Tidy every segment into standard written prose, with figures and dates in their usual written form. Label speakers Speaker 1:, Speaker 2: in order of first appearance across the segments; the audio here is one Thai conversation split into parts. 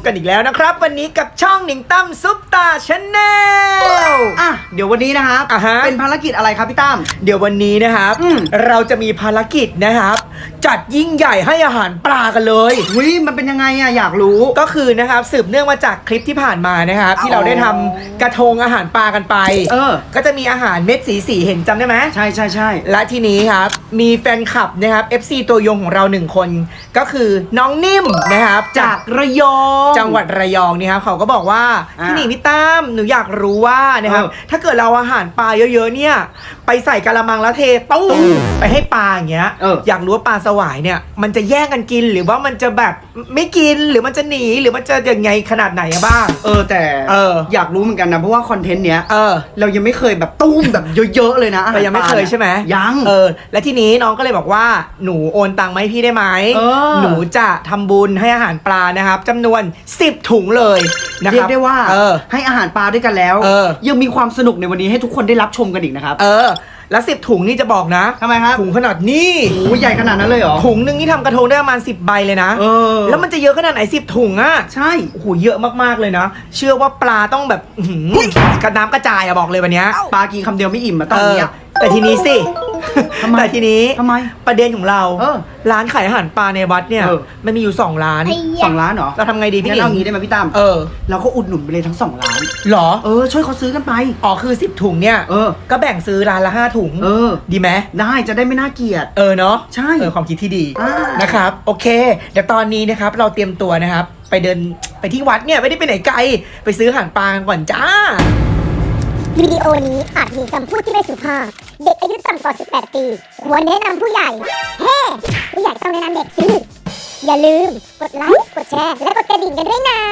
Speaker 1: กันอีกแล้วนะครับวันนี้กับช่องหนิงตั้มซุปตาชาแนล
Speaker 2: เดี๋ยววันนี้นะครับเป็นภารกิจอะไรครับพี่ตั้ม
Speaker 1: เดี๋ยววันนี้นะครับเราจะมีภารกิจนะครับจัดยิ่งใหญ่ให้อาหารปลากันเลย
Speaker 2: มันเป็นยังไงอยากรู้
Speaker 1: ก็คือนะครับสืบเนื่องมาจากคลิปที่ผ่านมานะครับที่เราได้ทำกระทงอาหารปลากันไปก็จะมีอาหารเม็ดสีเห็นจำได้ไหม
Speaker 2: ใช่
Speaker 1: และทีนี้ครับมีแฟนคลับนะครับ FC ตัวยงของเรา1คนก็คือน้องนิ่มนะครับ
Speaker 2: จากระยอง
Speaker 1: จังหวัดระยองนี่ครับเขาก็บอกว่าพี่หนิงพี่ตั้มหนูอยากรู้ว่านะครับถ้าเกิดเราอาหารปลาเยอะๆเนี่ยไปใส่กะละมังแล้วเทตู้ไปให้ปลาอย่างเงี้ยอยากรู้ว่าปลาสวายเนี่ยมันจะแย่งกันกินหรือว่ามันจะแบบไม่กินหรือมันจะหนีหรือมันจะยังไงขนาดไหนบ้าง
Speaker 2: แต่อยากรู้เหมือนกันนะเพราะว่าคอนเทนต์เนี้ยเรายังไม่เคยแบบตุ้มแบบเยอะๆเลยนะ
Speaker 1: เรายังไม่เคยใช่ไหม
Speaker 2: ยัง
Speaker 1: และทีนี้น้องก็เลยบอกว่าหนูโอนตังค์มาให้พี่ได้ไหมหนูจะทำบุญให้อาหารปลานะครับจำนวน10 ถุงเลยนะครับ
Speaker 2: เรียกได้ว่าให้อาหารปลาด้วยกันแล้วยังมีความสนุกในวันนี้ให้ทุกคนได้รับชมกันอีกนะครับ
Speaker 1: แล้ว10 ถุงนี่จะบอกนะ
Speaker 2: ทำไมครับ
Speaker 1: ถุงขนาดนี้
Speaker 2: ใหญ่ขนาดนั้นเลยเหรอ
Speaker 1: ถุงนึงนี่ทำกระทงได้ประมาณ10 ใบเลยนะแล้วมันจะเยอะขนาดไหน10 ถุงอ่ะ
Speaker 2: ใช่
Speaker 1: โอ้โหเยอะมากๆเลยนะเชื่อว่าปลาต้องแบบกระน้ำกระจายอะบอกเลยวันนี้
Speaker 2: ปลากินคำเดียวไม่อิ่มอะตอนนี้
Speaker 1: แต่ทีนี้สิแต่ทีนี้
Speaker 2: ทำไม
Speaker 1: ประเด็นของเราร้านขายอาหารปลาในวัดเนี่ยมันมีอยู่2 ร้าน
Speaker 2: 2 ร้านเหรอ
Speaker 1: เราทำไงดีพี่
Speaker 2: หนิงเอางี้ได้ไหมพี่ตั้มเราก็อุดหนุนไปเลยทั้ง2 ร้าน
Speaker 1: หรอ
Speaker 2: ช่วยเขาซื้อกันไป
Speaker 1: คือ10 ถุงเนี่ยก็แบ่งซื้อร้านละ5 ถุงดีไหม
Speaker 2: ได้จะได้ไม่น่าเกลียด
Speaker 1: เนาะ
Speaker 2: ใช่
Speaker 1: ความคิดที่ดีนะครับโอเคเดี๋ยวตอนนี้นะครับเราเตรียมตัวนะครับไปเดินไปที่วัดเนี่ยไม่ได้ไปไหนไกลไปซื้ออาหารปลาก่อนจ้า
Speaker 3: วิดีโอนี้อาจมีคำพูดที่ไม่สุภาพเด็กอายุต่ำกว่า 18 ปีควรแนะนำผู้ใหญ่ผู้ใหญ่ต้องแนะนำเด็กสิอย่าลืมกดไลค์กดแชร์และกดกระดิ่งกันด้วยนะ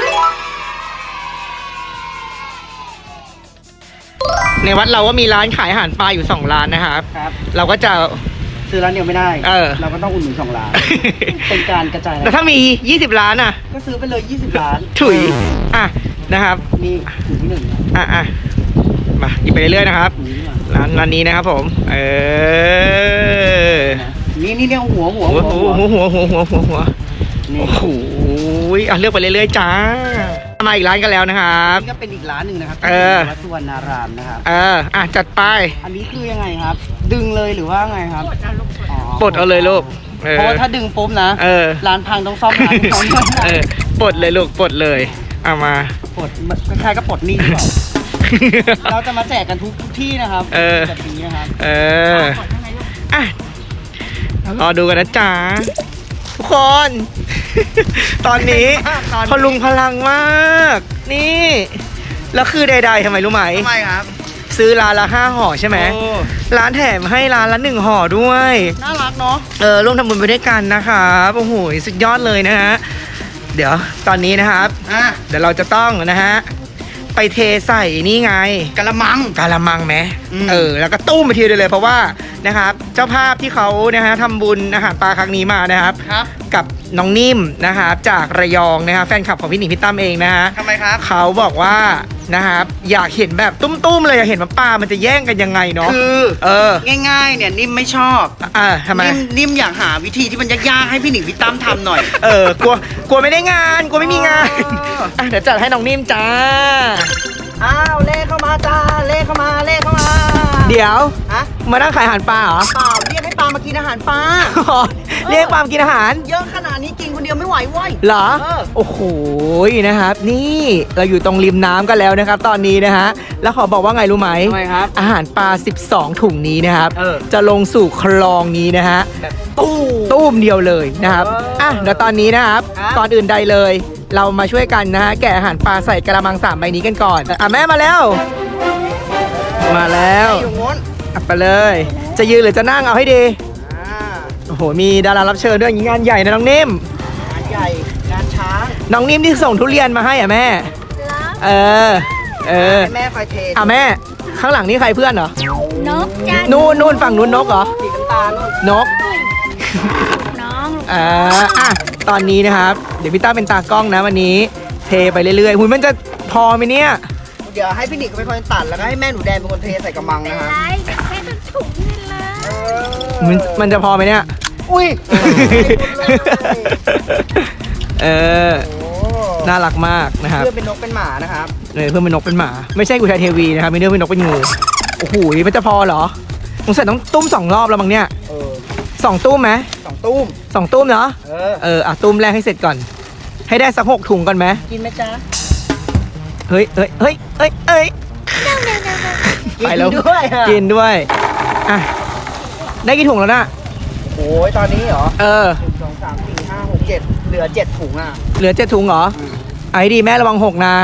Speaker 1: ในวัดเราก็มีร้านขายอาหารปลาอยู่2 ร้านนะครับเราก็จะ
Speaker 2: ซื้อร้านเดียวไม่ได้เราก็ต้องอุดหนุน2 ร้านเป็นการกระจาย
Speaker 1: แต่ถ้ามี20 ร้านอ่ะ
Speaker 2: ก็ซื้อไปเลย20 ร้าน
Speaker 1: ถุยนะครับ
Speaker 2: นี่ถุงที่1
Speaker 1: มาหยิบไปเรื่อยๆนะครับร้านนี้นะครับผม
Speaker 2: นี่เรียกหัว
Speaker 1: โอ้โหเลือกไปเรื่อยๆจ้ามาอีกร้านกันแล้วนะครับ
Speaker 2: นี่ก็เป็นอีกร้านหนึ่งนะครับวัดสุวรรณารามนะครับ
Speaker 1: จัดไป
Speaker 2: อันนี้คือยังไงครับดึงเลยหรือว่าไงครับ
Speaker 1: ปลดเอาเลยลูก
Speaker 2: เพราะถ้าดึงปุ๊บนะร้านพังต้องซ่อมร้าน
Speaker 1: ปลดเลยลูกปลดเลยเอามา
Speaker 2: ปลดคล้ายๆก็ปลดหนี้หรือเปล่าเราจะมาแจกกันทุกที่นะครับแบบนี้นะครับ
Speaker 1: รอดูกันนะจ๊ะทุกคน ตอนนี้พลุงพลังมากนี่แล้วคือใดๆทำไมรู้ไหม
Speaker 2: ทำไมครับ
Speaker 1: ซื้อร้านละ5 ห่อใช่ไหมร้านแถมให้ร้านละ1 ห่อด้วย
Speaker 2: น่ารักเนาะ
Speaker 1: ร่วมทำบุญไปด้วยกันนะครับโอ้โหสุดยอดเลยนะฮะเดี๋ยวตอนนี้นะครับเดี๋ยวเราจะต้องนะฮะไปเทใส่นี่ไง
Speaker 2: กะละมัง
Speaker 1: ไหมแล้วก็ตุ้มไปทีเดียวเลยเพราะว่านะครับเจ้าภาพที่เขานะฮะทำบุญอาหารปลาครั้งนี้มานะครับกับน้องนิ่มนะครับจากระยองนะครับแฟนคลับของพี่หนิงพี่ตั้มเองนะฮะ
Speaker 2: ทำไมครับ
Speaker 1: เขาบอกว่านะครับอยากเห็นแบบตุ้มๆเลยอยากเห็นว่าปลามันจะแย่งกันยังไงเนาะ
Speaker 2: คือง่ายๆเนี่ยนิ่มไม่ชอบ
Speaker 1: ทำไม
Speaker 2: นิ่มอยากหาวิธีที่มันยากๆให้พี่หนิงพี่ตั้มทำหน่อย
Speaker 1: กลัวไม่ได้งานกลัวไม่มีงานเดี๋ยวจัดให้น้องนิ่มจ้า
Speaker 2: เลขเข้ามาจ้าเลขเข้ามา
Speaker 1: เดี๋ยวมานั่งขายอาหารปลาเหรอ
Speaker 2: เปล่าเรียกให้ปลามากินอาหารปลา
Speaker 1: เรียกปลามากินอาหาร
Speaker 2: เยอะขนาดนี้กินคนเดียวไม่ไหวเว้ย
Speaker 1: เหรอโอ้โหนะครับนี่เราอยู่ตรงริมน้ำกันแล้วนะครับตอนนี้นะฮะแล้วขอบอกว่าไงรู้ไหม
Speaker 2: ครับ
Speaker 1: อาหารปลา12 ถุงนี้นะครับจะลงสู่คลองนี้นะฮะตู้มเดียวเลยนะครับเดี๋ยวตอนนี้นะครับก่อนอื่นใดเลยเรามาช่วยกันนะฮะแกะอาหารปลาใส่กระมัง3 ใบนี้กันก่อนแม่มาแล้วไปเลยจะยืนหรือจะนั่งเอาให้ดีโอ้โหมีดารารับเชิญด้วยงานใหญ่นะน้องนิ่ม
Speaker 2: งานใหญ่งานช้าง
Speaker 1: น้องนิ่มที่ส่งทุเรียนมาให้แม่
Speaker 2: แม่คอยเท
Speaker 1: แม่ข้างหลังนี่ใครเพื่อนเหรอน
Speaker 3: กจ้า
Speaker 1: นู่นฝั่งนู้นนกเหรอ
Speaker 2: สีน้ำตาล
Speaker 1: นก
Speaker 3: น้อง
Speaker 1: ตอนนี้นะครับเดี๋ยวพี่ต้าเป็นตากล้องนะวันนี้เทไปเรื่อยๆมันจะพอไหมเนี่ย
Speaker 2: เดี๋ยวให้พี่หนิงเป็นคนตัดแล้วก็ให้แม่หนูแดงเป็นคนเทใส่กระมังนะครับ
Speaker 3: แค่ถุงนี่แห
Speaker 1: ละมันจะพอไหมเนี่ย
Speaker 2: อุ้ย
Speaker 1: น่ารักมากนะครับ
Speaker 2: เพื่อนเป็นนกเป็นหมานะครับ
Speaker 1: เพื่อนเป็นนกเป็นหมา ไม่ใช่กุยไทยเทวีนะครับมีเรื่องเป็นนกเป็นงูโอ้โหมันจะพอเหรอสงสัยต้องตุ้ม2 รอบแล้วมั้งเนี่ย2 ตุ้มไหม
Speaker 2: 2 ตุ้ม
Speaker 1: 2 ตุ้มเนาะตุ้มแรกให้เสร็จก่อน ให้ได้สัก6 ถุงก่อนไหม
Speaker 2: กินไหมจ๊ะ
Speaker 1: เฮ้ยไปแล้ว
Speaker 2: ด้วยอะ
Speaker 1: กินด้วยอ่ะได้กี่ถุงแล้วน่ะ
Speaker 2: โอ้ยตอนนี้เหรอ 1 2 3 4 5 6 7เหลือ7 ถุงอ่ะ
Speaker 1: เหลือ7 ถุงเหรอไอ้ดีแม่ระวัง6นะ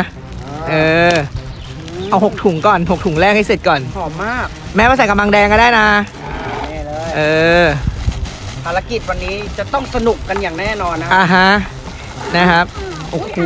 Speaker 1: เอา6 ถุงก่อน6 ถุงแรกให้เสร็จก่อน
Speaker 2: หอมมาก
Speaker 1: แม่มาใส่กระมังแดงก็ได้นะ
Speaker 2: นี่เลย ภารกิจวันนี้จะต้องสนุกกันอย่างแน่นอนนะ
Speaker 1: ฮะนะครับโอ้โห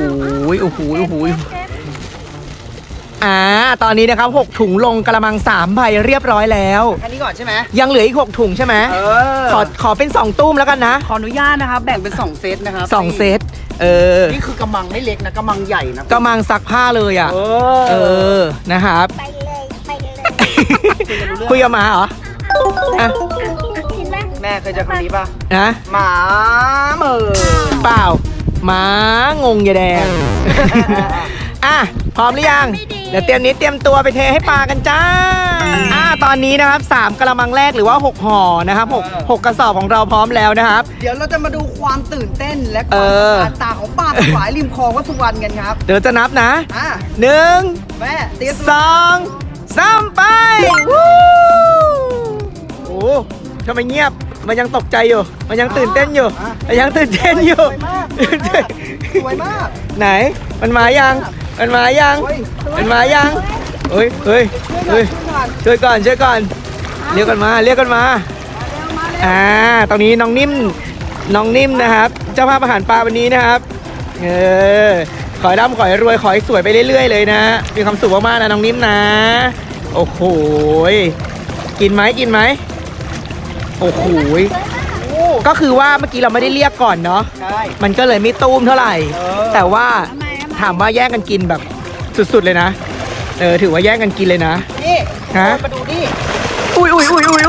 Speaker 1: ตอนนี้นะครับ6 ถุงลงกระมัง3 ใบเรียบร้อยแล้ว
Speaker 2: อันนี้ก่อนใช่ไหม
Speaker 1: ยังเหลืออีก6 ถุงใช่ไหมขอเป็น2 ตุ้มแล้วกันนะ
Speaker 2: ขออนุญาตนะครับแบ่งเป็น2 เซตนะครับ
Speaker 1: 2 เซต
Speaker 2: นี่คือกำมังไม่เล็กนะกำมังใหญ่นะ
Speaker 1: กระมังซักผ้าเลยอ่ะนะครับ
Speaker 3: ไปเลยไปเลย
Speaker 1: คุยกับหมาเหรออ่ะ
Speaker 3: กินไหม
Speaker 2: แม่เคยเจอคำนี้ป่ะ
Speaker 1: นะ
Speaker 2: หมาเหมือ
Speaker 1: เปล่าหมางงยายแดง อ่ะพร้อมหรือยังเดี๋ยวเตรียมตัวไปเทให้ปลากันจ้าตอนนี้นะครับ3 กระมังแรกหรือว่า6 ห่อนะครับ6กระสอบของเราพร้อมแล้วนะครับ
Speaker 2: เดี๋ยวเราจะมาดูความตื่นเต้นและความตาของป้าสวายริมคลองวัดสุวรรณกันครับ
Speaker 1: เดี๋ยวจะนับนะ 1
Speaker 2: แม่เตรียม
Speaker 1: 2 3ไปวู้โอ้ทำไมเงียบมันยังตกใจอยู่มันยังตื่นเต้นอยู่มันยังตื่นเต้นอยู่
Speaker 2: สวยมาก
Speaker 1: ไหนมันมายังเฮ้ยช่วยก่อนเรียกกันมาตรงนี้น้องนิ่มนะครับเจ้าภาพอาหารปลาวันนี้นะครับขอให้ร่ำขอให้รวยขอให้สวยไปเรื่อยๆเลยนะมีความสุขมากๆนะน้องนิ่มนะโอ้โหกินไหมโอ้โหก็คือว่าเมื่อกี้เราไม่ได้เรียกก่อนเนาะ
Speaker 2: ใช่
Speaker 1: มันก็เลยไม่ตุ้มเท่าไหร่แต่ว่าถามว่าแย่งกันกินแบบสุดๆเลยนะถือว่าแย่งกันกินเลยนะ
Speaker 2: นี่
Speaker 1: ฮะ
Speaker 2: มาดูนี่
Speaker 1: อุ้ย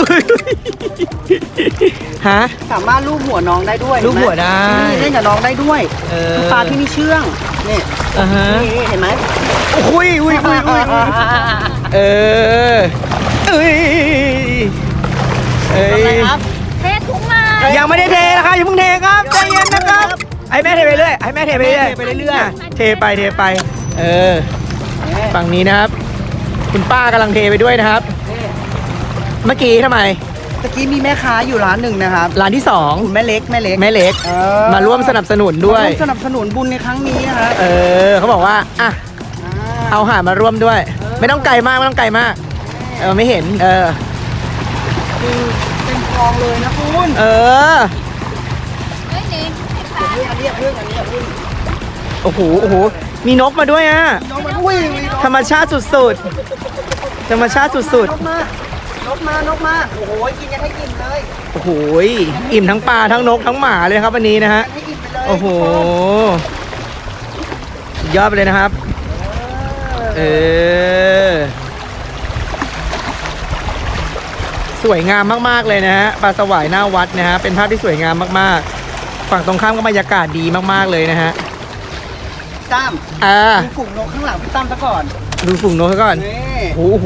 Speaker 1: ฮะ
Speaker 2: สามารถลูบหัวน้องได้ด้วย
Speaker 1: ลูบหัวได้
Speaker 2: นี่เล่นกับน้องได้ด้วยคือปลาที่นี่เชื่องนี่ นี่เห็นไหม
Speaker 1: อุ้ย
Speaker 2: อะไรครับ
Speaker 3: เทถุงมา
Speaker 1: ยังไม่ได้เทนะครับอย่าเพิ่งเทครับใจเย็นนะครับให้แม่เทไปเรื่อยเทไปฝั่งนี้นะครับ คุณป้ากำลังเทไปด้วยนะครับ เมื่อกี้ทำไม
Speaker 2: ตะกี้มีแม่ค้าอยู่ร้านหนึ่งนะครับ
Speaker 1: ร้านที่2
Speaker 2: คุณแม่เล็ก
Speaker 1: แม่เล็กมาร่วมสนับสนุนด้วย
Speaker 2: สนับสนุนบุญในครั้งนี้นะครับ
Speaker 1: เขาบอกว่าเอาอาหารมาร่วมด้วย ไม่ต้องไกลมากไม่เห็น
Speaker 2: คือเป็นกองเลยนะคุณ
Speaker 3: เฮ้ยนี่
Speaker 2: อันนี้พึ่ง
Speaker 1: โอ้โหมีนกมาด้วยอ่ะ
Speaker 2: น้องมันอุ้ย
Speaker 1: ธรรมชาติสุดๆ
Speaker 2: นกมาโอ้โหกินกันให้กินเลย
Speaker 1: โอ้โหอิ่มทั้งปลาทั้งนกทั้งหมาเลยครับวันนี้นะฮะ
Speaker 2: ให้กินไปเลย
Speaker 1: โอ้โหสุดยอดไปเลยนะครับสวยงามมากๆเลยนะฮะปลาสวายหน้าวัดนะฮะเป็นภาพที่สวยงามมากๆฝั่งตรงข้ามก็บรรยากาศดีมากๆเลยนะฮะ
Speaker 2: ตั้มดูฝูงนกข้างหลังพี่ตั้มซะก่อน
Speaker 1: ดูฝูงนกก่อน
Speaker 2: นี่
Speaker 1: โอ้โห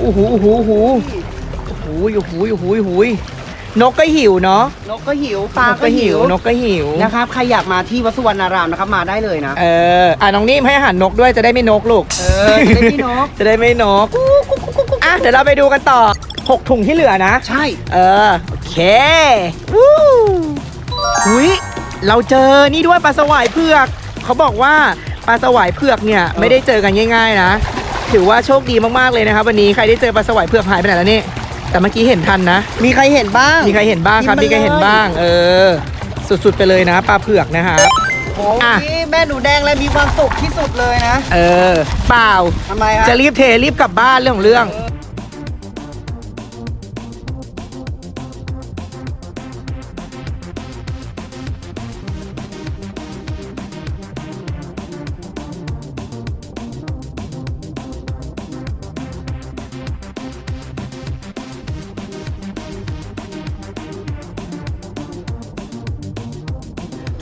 Speaker 1: นกก็หิวเนาะ
Speaker 2: นกก็หิวปลาก็หิวน
Speaker 1: กก็หิว
Speaker 2: นะครับใครอยากมาที่วัดสุวรรณารามนะครับมาได้เลยนะ
Speaker 1: น้องนิ่มให้อาหารนกด้วยจะได้ไม่นกลูก
Speaker 2: จะได้ไม่นก
Speaker 1: จะได้ไม่นกเดี๋ยวเราไปดูกันต่อ6 ถุงที่เหลือนะ
Speaker 2: ใช่
Speaker 1: โอเคหุยเราเจอนี่ด้วยปลาสวายเผือกเขาบอกว่าปลาสวายเผือกเนี่ยไม่ได้เจอกันง่ายๆนะถือว่าโชคดีมากๆเลยนะครับวันนี้ใครได้เจอปลาสวายเผือกหายไปไหนแล้วนี่แต่เมื่อกี้เห็นทันนะ
Speaker 2: มีใครเห็นบ้าง
Speaker 1: ครับมีใครเห็นบ้างสุดๆไปเลยนะปลาเผือกนะครับ
Speaker 2: โอ้ยแม่หนูแดงเลยมีความสุขที่สุดเลยนะ
Speaker 1: เปล่า
Speaker 2: ทำไมครับ
Speaker 1: จะรีบเทรีบกลับบ้านเรื่องของเรื่อง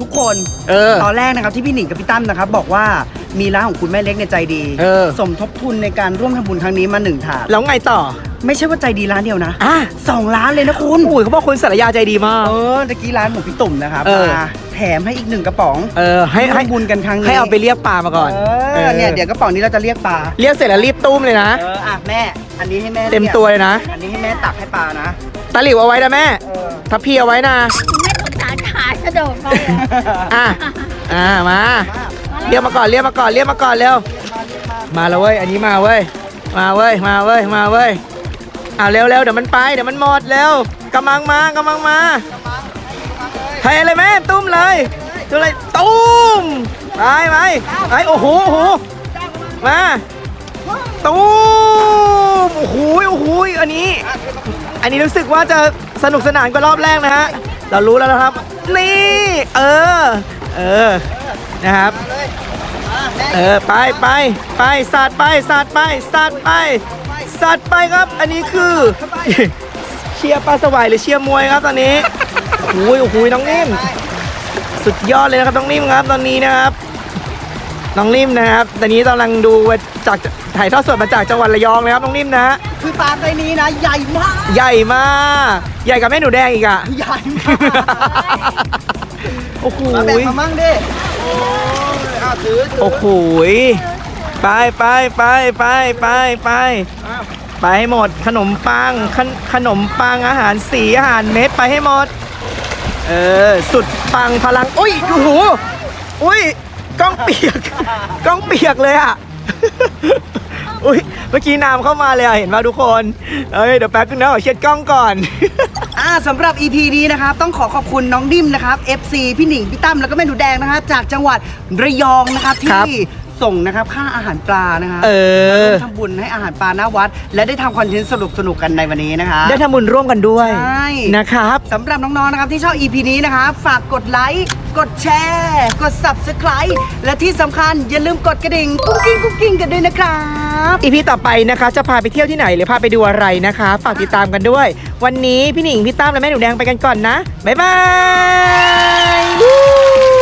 Speaker 2: ทุกคนตอนแรกนะครับที่พี่หนิงกับพี่ตั้มนะครับบอกว่ามีร้านของคุณแม่เล็กในใจดีสมทบทุนในการร่วมทำบุญครั้งนี้มา1 ถาด
Speaker 1: แล้วไงต่อ
Speaker 2: ไม่ใช่ว่าใจดีร้านเดียวนะ2 ร้านเลยนะคุณ
Speaker 1: อุ้ยเขาบอกคุณสารยาใจดีมาก
Speaker 2: ตะกี้ร้านของพี่ตุ่มนะครับมาแถมให้อีก1 กระป๋องให้บุญกันครั้งนี้
Speaker 1: ให้เอาไปเรียกปลามาก่อน
Speaker 2: เนี่ยเดี๋ยวกระป๋องนี้เราจะเรียกปลา
Speaker 1: เรียกเสร็จแล้วรีบตุ้มเลยนะ
Speaker 2: แม่อันนี้ให้แม่
Speaker 1: เต็มตัวเลยนะ
Speaker 2: อันนี้ให้แม่ตักให้ปลานะ
Speaker 1: ตะหลิวเอาไว้นะแม่ทัพพีเอาไว้นะ
Speaker 3: ไม่สงสารขากระโดดไป
Speaker 1: มาเรียกมาก่อนเร็วมาแล้วเว้ยอันนี้มาเว้ยเร็วเดี๋ยวมันไปเดี๋ยวมันหมดเร็วกำลังมาเทเลยแม่ตุ้มเลยตุ้มไปโอ้โหมาตุ้มโอ้โหอันนี้รู้สึกว่าจะสนุกสนานกว่ารอบแรกนะฮะเรารู้แล้วนะครับนี่นะครับไปสาดไปครับอันนี้คือเชียร์ปลาสวายหรือเชียร์มวยครับตอนนี้โอ้โหน้องนิ่มสุดยอดเลยนะครับน้องนิ่มครับตอนนี้นะครับน้องนิ่มนะครับตอนนี้กำลังดูจากถ่ายทอดสดมาจากจังหวัดระยองนะครับน้องนิ่มนะ
Speaker 2: คือปลาไซนี้นะใหญ่มาก
Speaker 1: ใหญ่กับแม่หนูแดงอีกอ่ะ
Speaker 2: ใหญ่มาก
Speaker 1: โอ้โห
Speaker 2: มาแบ่งมามั่งดิ
Speaker 1: โอ้โหไปให้หมดขนมปังอาหารสีอาหารเม็ดไปให้หมดสุดปังพลังอุ้ยโอ้โหกล้องเปียกเลยอ่ะอุ้ยเมื่อกี้น้ำเข้ามาเลยเห็นป่ะทุกคนเดี๋ยวแป๊บนึงนะขอเช็ดกล้องก่อน
Speaker 2: สำหรับ EP นี้นะครับต้องขอบคุณน้องดิ้มนะครับ FC พี่หนิงพี่ตั้มแล้วก็แม่หนูแดงนะครับจากจังหวัดระยองนะครับที่ส่งนะครับค่าอาหารปลานะครับทำบุญให้อาหารปลาหน้าวัดและได้ทำคอนเทนต์สนุกกันในวันนี้นะครับ
Speaker 1: ได้ทำบุญร่วมกันด้วยนะครับ
Speaker 2: สำหรับน้องๆนะครับที่ชอบ EP นี้นะครับฝากกดไลค์กดแชร์กด Subscribe และที่สำคัญอย่าลืมกดกระดิ่งกุ้งกิ้งกันด้วยนะครับ
Speaker 1: EP ต่อไปนะคะจะพาไปเที่ยวที่ไหนหรือพาไปดูอะไรนะคะฝากติดตามกันด้วยวันนี้พี่หนิงพี่ตั้มและแม่หนูแดงไปกันก่อนนะบ๊ายบาย